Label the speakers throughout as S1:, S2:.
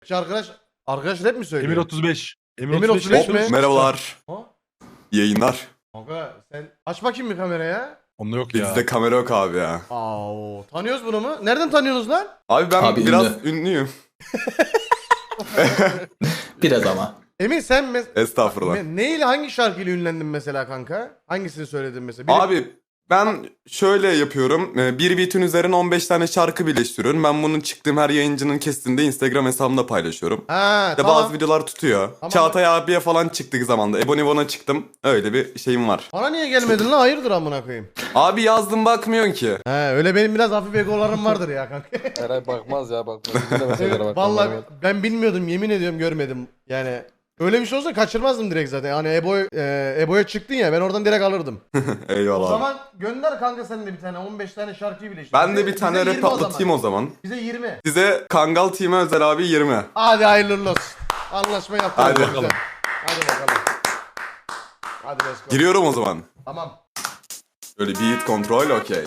S1: Arkadaş rap mi söylüyor?
S2: Emir 35.
S1: Emir 35 mi?
S3: Merhabalar.
S1: Ha?
S3: Yayınlar.
S1: Kanka sen aç bakayım bir kameraya.
S2: Onda yok ya.
S3: Bizde kamera yok abi ya.
S1: Aa, tanıyoruz bunu mu? Nereden tanıyorsunuz lan?
S3: Abi ben
S4: Abi
S3: biraz
S4: ünlü.
S3: ünlüyüm.
S4: Biraz ama.
S1: Emin sen
S3: Estağfurullah.
S1: neyle hangi şarkıyla ünlendin mesela kanka? Hangisini söyledin mesela? Biri...
S3: Abi ben şöyle yapıyorum. Bir beat'in üzerine 15 tane şarkı birleştiriyorum. Ben bunun çıktığım her yayıncının kestiğinde Instagram hesabımda paylaşıyorum.
S1: Ha,
S3: İşte
S1: tamam.
S3: bazı videolar tutuyor.
S1: Tamam.
S3: Çağatay abiye falan çıktık zamanda. Ebonibon'a çıktım. Öyle bir şeyim var.
S1: Bana niye gelmedin lan? Hayırdır amına koyayım?
S3: Abi yazdım bakmıyorsun ki.
S1: He, öyle benim biraz hafif egolarım vardır ya kanka.
S5: Eray bakmaz ya bakmaz. Bizim de meselelere
S1: Evet,
S5: bakmaz.
S1: vallahi ben bilmiyordum, yemin ediyorum görmedim. Yani öyle bir şey olsa kaçırmazdım direkt zaten. Hani Ebo'ya çıktın ya, ben oradan direkt alırdım. O
S3: Eyvallah.
S1: zaman gönder kanka sen de bir tane 15 tane şarkıyı birleştir.
S3: Ben de bir
S1: Bize
S3: tane
S1: 20
S3: rap atlatayım o zaman.
S1: Bize 20.
S3: Size Kangal Team'e özel abi 20.
S1: Hadi hayırlı olsun. Anlaşma yaptık.
S3: Hadi
S1: Güzel.
S2: bakalım.
S1: Hadi bakalım. Hadi let's go.
S3: Giriyorum o zaman.
S1: Tamam.
S3: Böyle beat kontrol okey.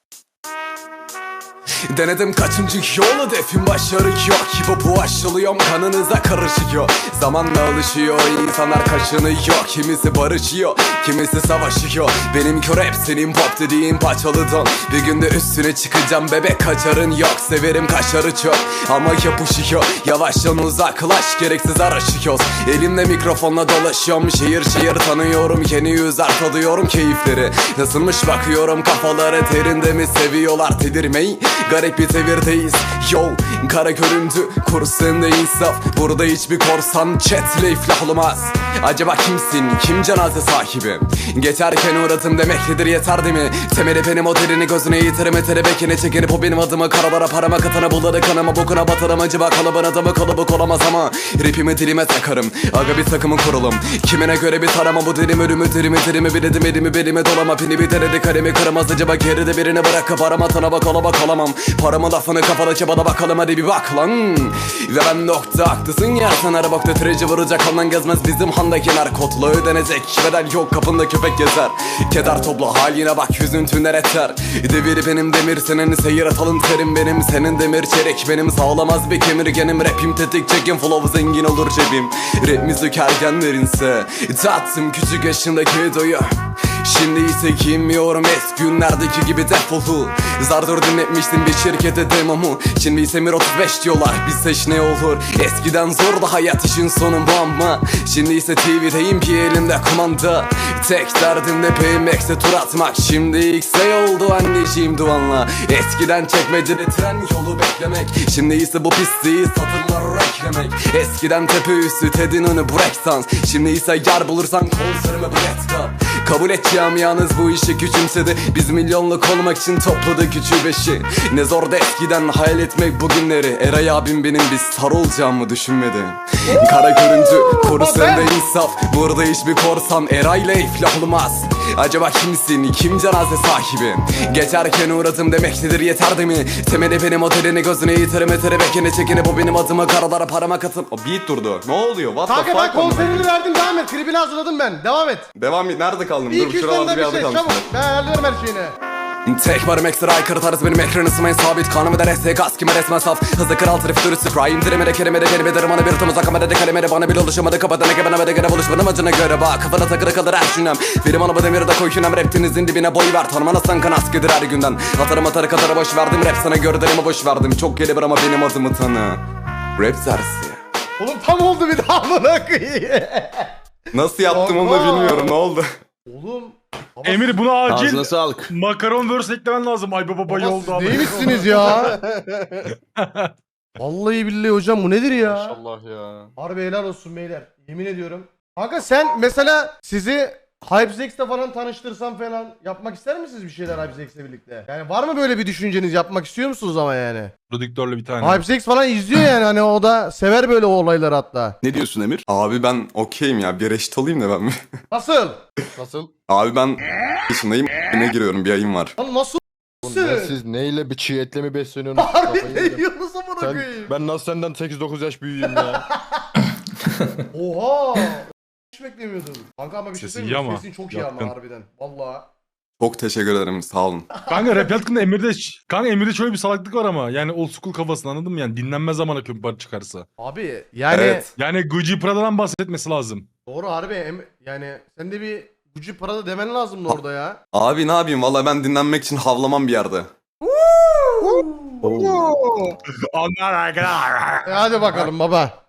S6: Denedim kaçıncı yol hedefim başarı yok. Hip-hop'u aşılıyorum kanınıza karışıyor. Zamanla alışıyor insanlar kaşınıyor. Kimisi barışıyor kimisi savaşıyor. Benimki rap senin pop dediğin paçalı don. Bir günde üstüne çıkacağım bebek kaçarın yok. Severim kaşarı çok ama yapışıyor. Yavaştan uzaklaş gereksiz araşıyoruz. Elimde mikrofonla dolaşıyorum. Şehir şehir tanıyorum. Yeni yüzler tadıyorum keyifleri. Nasılmış bakıyorum kafaları terinde mi seviyorlar tedirmeyi. Garip bir devirdeyiz yo. Kara göründü kurs sende insaf. Burada hiçbir korsan chatle iflah olmaz. Acaba kimsin kim cenaze sahibi? Geçerken uğradım demektedir yeter değil mi? Temeli benim o derini gözüne yitirime terebekine çekinip o benim adımı karalara parama katana buladı kanıma bokuna batarım acaba kalıbın adamı kalıbık olamaz ama rapimi dilime takarım aga bir takımın kurulum. Kimine göre bir tarama bu dilim ölümü dirimi biledim elimi belime dolama pini bir derede kalemi kıramaz acaba geride birini bırakıp aramatana bak ola bak olamam. Paramı lafını kafada çabada bakalım hadi bir bak lan. Ve ben nokta haklısın ya sen arabakta treci vuracak ondan gezmez bizim handaki narkotla ödenecek. Bedel yok kapında köpek gezer. Keder topla haline bak yüzün tüner eter. Devir benim demir senin seyir atalım terim benim. Senin demir çelik benim sağlamaz bir kemirgenim. Rapim tetik çekin flow zengin olur cebim. Rap müzik ergenlerinse tattım küçük yaşındaki doyu. Şimdi ise giymiyorum eski günlerdeki gibi defolu. Zardır dinletmiştim bir şirkete demomu. Şimdi ise Mir 35 diyorlar bizse ne olur. Eskiden zordu hayat işin sonu bu ama şimdi ise TV'deyim bir elimde kumanda. Tek derdim de PMX'e tur atmak. Şimdi X'e oldu anneciğim duvanla. Eskiden çekmecede tren yolu beklemek. Şimdi ise bu pisliği satırlar eklemek. Eskiden tepe üstü Ted'in önü breakdance. Şimdi ise yer bulursan konserime breakdance. Kabul et camianız bu işi küçümsedi. Biz milyonluk olmak için topladık üçü beşi. Ne zor da eskiden hayal etmek bugünleri. Eray abim benim bir star olacağımı düşünmedi. Kara görüntü koru sende insaf. Burada hiçbir korsan Eray'la iflah olmaz. Acaba kimsin kim cenaze sahibi? Geçerken uğradım demektedir yeter değil mi? Temeli benim otelini gözüne yitirime terebekine çekinip o benim adımı karalara parama katın.
S3: O beat durdu. Ne oluyor? What the
S1: Kanka
S3: fuck?
S1: ben konserini verdim, devam et. Klibini hazırladım ben. Devam et.
S3: Devam et. Nerede kaldım?
S1: Bir
S3: Dur
S1: iki
S3: şurada
S1: yüzden
S3: bir
S1: de bir
S3: yerde
S1: şey
S3: kalmıştım.
S1: çabuk. Ben ayarlıyorum her şeyini.
S6: Tek varım ekstra aykırı tarzı benim ekran ısımayın sabit. Kanımı da reste gaz kime resmen saf. Hızlı kral trif dürüstü prime. Dirimede kelimede kelime dermanı bir tımız akamadede kalemede. Bana bir oluşamadı kapatana ki bana ve de gene buluşmanın acına göre bak. Kafana takılı kalır her şünem. Benim anamı demiri de koy şünem. Raptinizin dibine boy ver. Tanımanazsan kan askıdır her günden. Atarım atarı katara boş verdim. Rap sana göre derime boş verdim. Çok gelir ama benim adımı tanı. Rap dersi.
S1: Oğlum tam oldu bir daha amına koyayım.
S3: Nasıl yaptım onu da
S1: Kanka.
S3: bilmiyorum. Ne oldu?
S1: Oğlum. Baba,
S2: Emir buna acil
S5: Ağzına sağlık.
S2: makaron verse eklemen lazım. Ay baba
S1: baba
S2: yolda
S1: siz
S2: abi.
S1: neymişsiniz ya? Vallahi billahi hocam bu nedir ya?
S5: Maşallah ya.
S1: Harbi helal olsun beyler. Yemin ediyorum. Kanka sen mesela sizi HypeZex'te falan tanıştırsam falan yapmak ister misiniz bir şeyler HypeZex'le birlikte? Yani var mı böyle bir düşünceniz, yapmak istiyor musunuz ama yani?
S2: Prodüktörle bir tane.
S1: HypeZex falan izliyor yani, hani o da sever böyle olayları hatta.
S3: Ne diyorsun Emir? Abi ben okeyim ya. Bir reşit olayım da ben mi?
S1: Nasıl?
S5: Nasıl?
S3: Abi ben yaşındayım. Ne giriyorum? Bir ayım var.
S1: Lan nasıl?
S5: Oğlum ya siz neyle bir çiğ etle mi besleniyorsunuz?
S1: Harbi
S5: Kafayı
S1: ne
S5: yedim.
S1: diyorsunuz amına
S5: Sen,
S1: koyayım?
S5: ben nasıl senden 8-9 yaş büyüğüm ya?
S1: Oha! Hiç beklemiyordum. Kanka ama bir şey
S2: Sesi
S1: söyleyeyim mi?
S2: iyi ama.
S1: Sesin çok iyi
S2: Yatkın.
S1: ama harbiden. Valla.
S3: Çok teşekkür ederim sağ olun.
S2: Kanka rap hakkında Emir'de şöyle bir salaklık var ama. Yani old school kafasını anladın mı? Yani dinlenmez zamana köpek çıkarsa.
S1: Abi yani
S3: Evet.
S2: Yani Gucci Prada'dan bahsetmesi lazım.
S1: doğru harbi yani sen de bir Gucci Prada demen lazımdı orada ya.
S3: Abi ne yapayım valla ben dinlenmek için havlamam bir yerde.
S2: Onlar arkadaşlar.
S1: Hadi bakalım baba.